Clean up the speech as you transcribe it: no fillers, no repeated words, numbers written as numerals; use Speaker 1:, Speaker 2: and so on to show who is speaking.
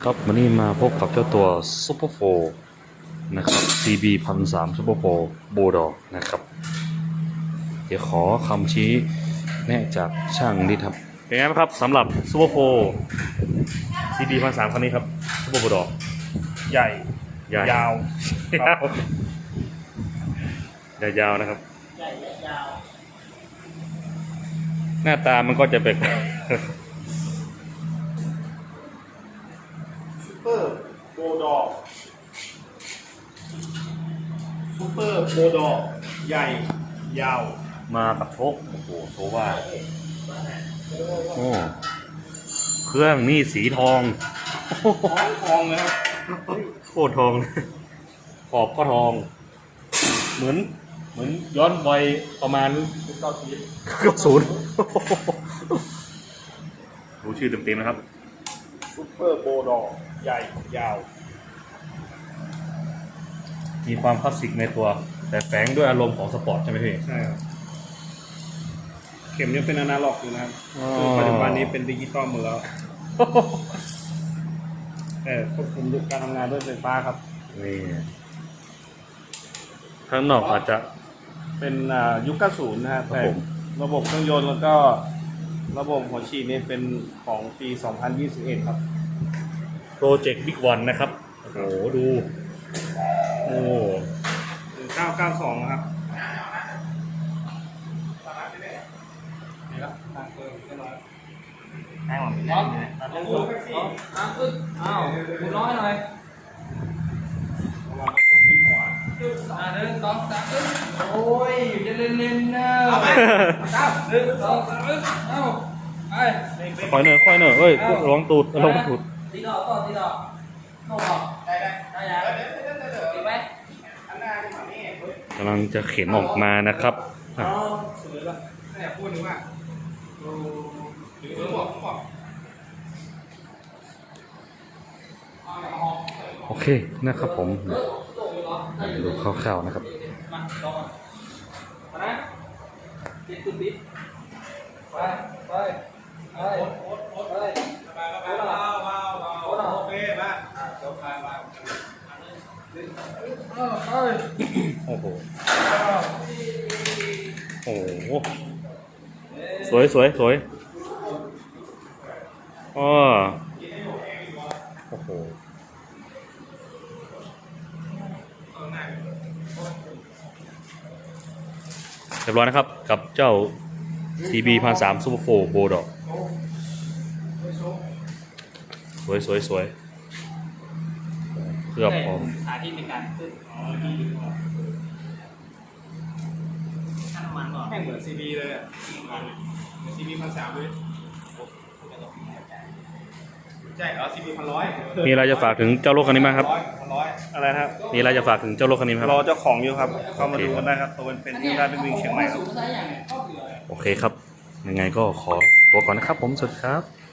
Speaker 1: ครับวันนี้มาพบกับเจ้าตัวซุปเปอร์โฟนะครับ CB 1,300ซุปเปอร์โฟโบดอกนะครับเดี๋ยวขอคำชี้แนะจากช่างนิดครับเป็นไงบ้างครับสำหรับซุปเปอร์โฟ CB 1,300คันนี้ครับซุปเปอร์โบดอก
Speaker 2: ใหญ่
Speaker 1: ใหญ่
Speaker 2: ยาว
Speaker 1: ยาวนะครับ
Speaker 3: ใหญ่และยาว
Speaker 1: หน้าตามันก็จะเป็น
Speaker 2: ซูเปอร์โบดอกซูเปอร์โบดอกใหญ่ยาว
Speaker 1: มากับโชคโอ้โหโชว่าโอ้เครื่องนี่สีทอง
Speaker 2: ทองเลยครับ
Speaker 1: โคตรทองขอบก็ทอง เหมือนย้อนวัยประมาณ90รู้ชื่อเต็มๆนะครับ
Speaker 2: ซูเปอร์โบดอกใหญ่ยาว
Speaker 1: มีความคลาสสิกในตัว แต่แฝงด้วยอารมณ์ของสปอร์ตใช่ไหมพี่
Speaker 2: ใช่ครับเข็มยังเป็นอนาล็อกอยู่นะครับ
Speaker 1: อ๋อ
Speaker 2: ซึ่งปัจจุบันนี้เป็นดิจิตอลหมดแล้ว แต่ควบคุมการทำงานด้วยไฟฟ้าครับ
Speaker 1: นี่ข้างนอกอาจจะ
Speaker 2: เป็นยุค 90 นะฮะ
Speaker 1: ครับ
Speaker 2: แต่
Speaker 1: ผม
Speaker 2: ระบบเครื่องยนต์แล้วก็ระบบหัวฉีดนี่เป็นของปี 2021 ครับ
Speaker 1: โปรเจกต์บิ๊กวันนะครับ โอ้โห ดู โอ้
Speaker 2: 992 นะครับแห้งหมด
Speaker 3: พร้อมขึ้นอ้าวคุณร้อยหน่อยหนึ่งสองสามขึ้นโอ้ยจะเล่นๆนะหนึ่งสองสามเอ้าไป
Speaker 1: ค่อยหน่อยเอ้ยร้องตูดร้องตูด
Speaker 3: ตีดอกต่อตีดอกเข้าออกได้ยังตีไหม
Speaker 1: กำลังจะเข็นออกมานะครับอ่ะ
Speaker 2: สวยละแต่พูดถึงว่าหรือบอก
Speaker 1: โอเคนะครับผม ดูคร่าวๆนะครับ
Speaker 3: มาลองนะติดติดไปไปไปไปโอเคมาจบไป
Speaker 1: โอ้โห โอ้โห สวยอ้อโอ้โห เรียบร้อยนะครับ กับเจ้า CB 1,300 Super 4 Bulldog สวยเคลือบพร้อม
Speaker 3: สาธิตในการขึ้นน้ำมันก่อน
Speaker 2: แม่งเหมือน CB เลยอ่ะเหมือน CB 1,300เลยใช่เหรอ CB 1,100
Speaker 1: มีอะไรจะฝากถึงเจ้ารถคันนี้ไหมครับ
Speaker 2: 100อะไรนะครับ
Speaker 1: มีอะไรจะฝากถึงเจ้ารถคันนี้ไหมครับ
Speaker 2: รอเจ้าของอยู่ครับ เข้ามาดูกันได้ครับ ตัวเป็นที่ได้เป็นวิ่งเชียงใหม่ครับ
Speaker 1: โอเคครับ ยังไงก็ขอตัวก่อนนะครับผม สวัสดีครับ